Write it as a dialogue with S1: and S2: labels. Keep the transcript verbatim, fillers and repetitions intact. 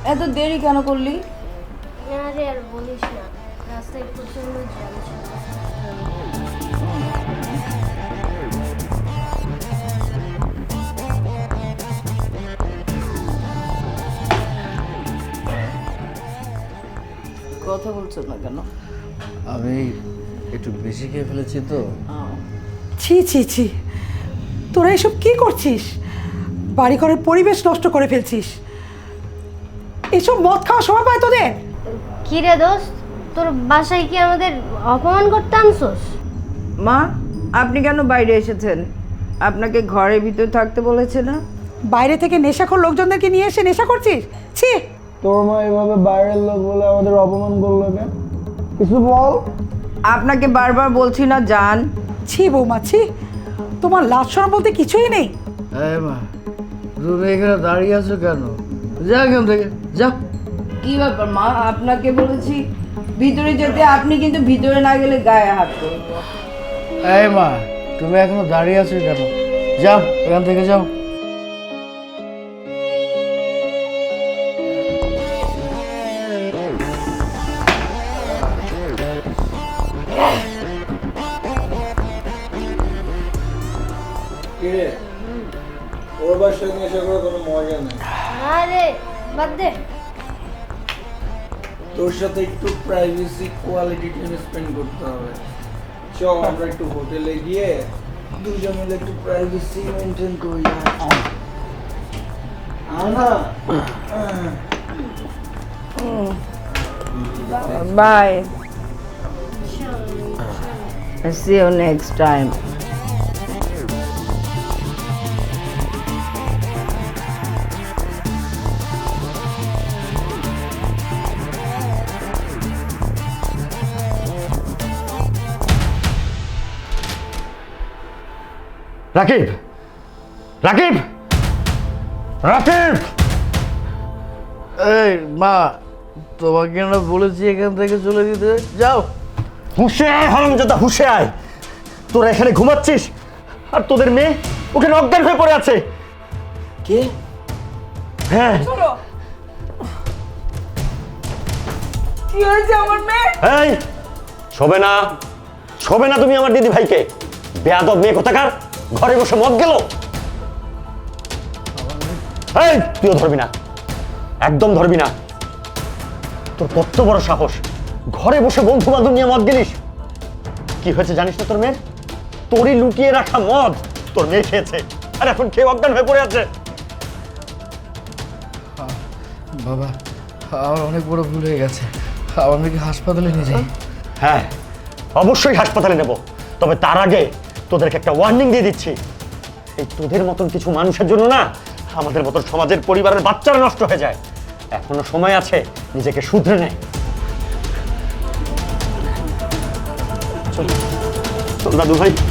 S1: এত দেরি কেন করলি?
S2: আরে আর বলিস না, রাস্তায় প্রচন্ড জ্যাম ছিল।
S1: কথা বলছো না কেন?
S3: আমি একটু বেশি খেয়ে ফেলেছি তো।
S4: ছি ছি ছি, তোরা এসব কি করছিস? বাড়ি ঘরের পরিবেশ নষ্ট করে ফেলছিস। এসব মদ খাওয়া সময় পায় তোদের?
S2: কি রে দোস্ত, তোর বাসায় কি আমাদের অপমান করতে আনছোস?
S1: মা, আপনি কেন বাইরে এসেছেন? আপনাকে ঘরের ভিতর থাকতে বলেছে না?
S4: বাইরে থেকে নেশাখোর লোকজনদেরকে নিয়ে এসে নেশা করছিস? ছি।
S5: তোর মা এভাবে বাইরের লোক বলে আমাদের অপমান করলো কেন? কিছু বল।
S1: আপনাকে বারবার বলছি না যান।
S4: ছি বৌমা, ছি। তোমার লাজ শরম বলতে কিছুই নেই।
S3: হ্যাঁ মা, তুমি এখানে দাঁড়িয়ে আছো কেন? যা এখান থেকে যা।
S1: কি ব্যাপার মা, আপনাকে বলেছি ভিতরে যেতে, আপনি কিন্তু ভিতরে না গেলে গায়ে হাত করবো।
S3: এই মা, তুমি এখনো দাঁড়িয়ে আছো কেন? যাও এখান থেকে যাও।
S5: কিরে, ওর বাসায় নেশা করে কোনো মজা নেই।
S2: আরে বাদ দে।
S5: তোর সাথে একটু প্রাইভেসি কোয়ালিটি টাইম স্পেন্ড করতে হবে। চল আমরা একটু হোটেলে গিয়ে দুজন মিলে একটু প্রাইভেসি মেনটেন করি। Ana
S1: bye, see you next time.
S6: Rakib, Rakib, Rakib!
S3: এই মা, তোমাকে না বলেছি এখান থেকে চলে যেতে? যাও।
S6: হুঁশে আয় হারামজাদা, হুঁশে আয়! তোরা এখানে ঘুমাচ্ছিস আর তোদের মেয়ে ওখানে অজ্ঞান হয়ে পড়ে আছে।
S5: কে?
S6: হ্যাঁ।
S1: কি হয়েছে আমার মেয়ে?
S6: এই শোবে না, শোবে না তুমি আমার দিদি ভাইকে। বেয়াদব মেয়ে কোথাকার, ঘরে বসে মদ গেল। এই তুইও ধরবি না, একদম ধরবি না। তোর কত বড় সাহস, ঘরে বসে বন্ধু বান্ধব নিয়ে মদ গেলিস? কি হয়েছে জানিস না তোর মেয়ের? তোরই লুকিয়ে রাখা মদ তোর মেয়ে খেয়েছে, আর এখন খেয়ে অজ্ঞান হয়ে পড়ে আছে।
S3: বাবা, আমার অনেক বড় ভুল হয়ে গেছে। আমার মেয়েকে হাসপাতালে নিয়ে যাই।
S6: হ্যাঁ, অবশ্যই হাসপাতালে নেব, তবে তার আগে তোদেরকে একটা ওয়ার্নিং দিয়ে দিচ্ছি। এই তোদের মতন কিছু মানুষের জন্য না আমাদের মতন সমাজের পরিবারের বাচ্চারা নষ্ট হয়ে যায়। এখনো সময় আছে, নিজেকে শুধরে নে। চল চল দাদু ভাই।